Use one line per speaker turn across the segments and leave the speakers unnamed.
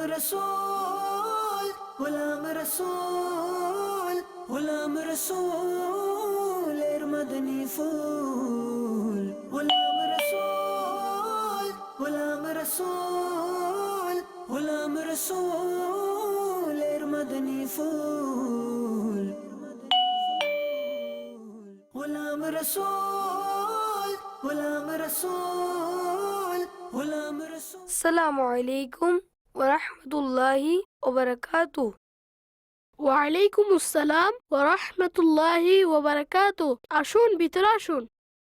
रसूल गुलाम रसूल गुलाम रसूल एर मदनी फूल गुलाम रसूल गुलाम रसूल गुलाम रसूल एर मदनी फूल गुलाम रसूल गुलाम रसूल गुलाम रसूल।
আসসালামু আলাইকুম ওয়া রাহমাতুল্লাহি ওয়া বারাকাতুহু।
ওয়ালাইকুম আসসালাম ওয়া রাহমাতুল্লাহি ওয়া বারাকাতুহু। আসুন, ভিতরে আসুন।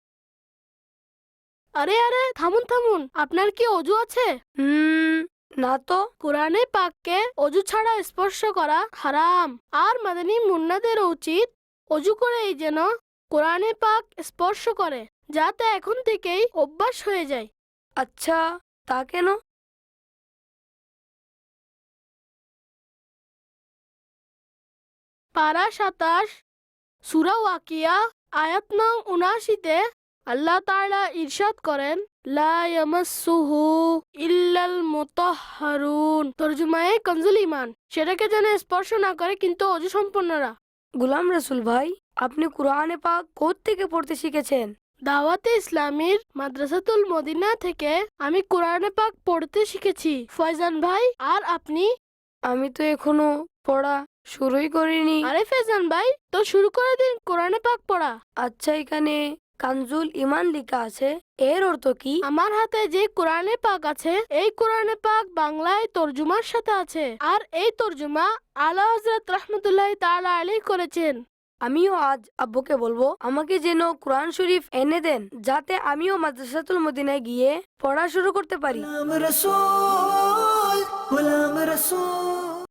আরে আরে, থামুন থামুন, আপনার কি অজু আছে?
না তো।
কোরআনে পাককে অজু ছাড়া স্পর্শ করা হারাম। আর মাদানী মুন্নাদের উচিত অজু করেই যেন কোরআনে পাক স্পর্শ করে, যাতে এখন থেকেই অভ্যাস হয়ে যায়।
আচ্ছা, তা কেন?
পারা 27 সূরা ওয়াকিয়া আয়াত নং 79-তে আল্লাহ তাআলা ইরশাদ করেন, লা ইয়ামাসসুহু ইল্লাল মুতাহহারুন। তরজমায়ে কনজুল ঈমান, সেটাকে যেন স্পর্শ না করে কিন্তু অজু সম্পন্নরা।
গোলাম রাসূল ভাই, আপনি কোরআনে পাক কোথা থেকে পড়তে শিখেছেন?
দাওয়াতে ইসলামীর মাদ্রাসাতুল মদিনা থেকে আমি কোরআনে পাক পড়তে শিখেছি। ফয়জান ভাই, আর আপনি?
আমি তো এখনো পড়া শুরুই করিনি।
আরে ফয়জান ভাই, তো শুরু করে দিন কোরআনে পাক পড়া।
আচ্ছা, এখানে কানজুল ঈমান লেখা আছে, এর অর্থ কি?
আমার হাতে যে কোরআনে পাক আছে, এই কোরআনে পাক বাংলায় তরজুমার সাথে আছে, আর এই তরজুমা আলা হযরত রাহমাতুল্লাহি তাআলা আলাইহি করেছেন।
আমিও আজ আব্বুকে বলবো আমাকে যেন কোরআন শরীফ এনে দেন, যাতে আমিও মাদ্রাসাতুল মদিনায় গিয়ে পড়া শুরু করতে পারি।
गुलाम रसूल गुलाम रसूल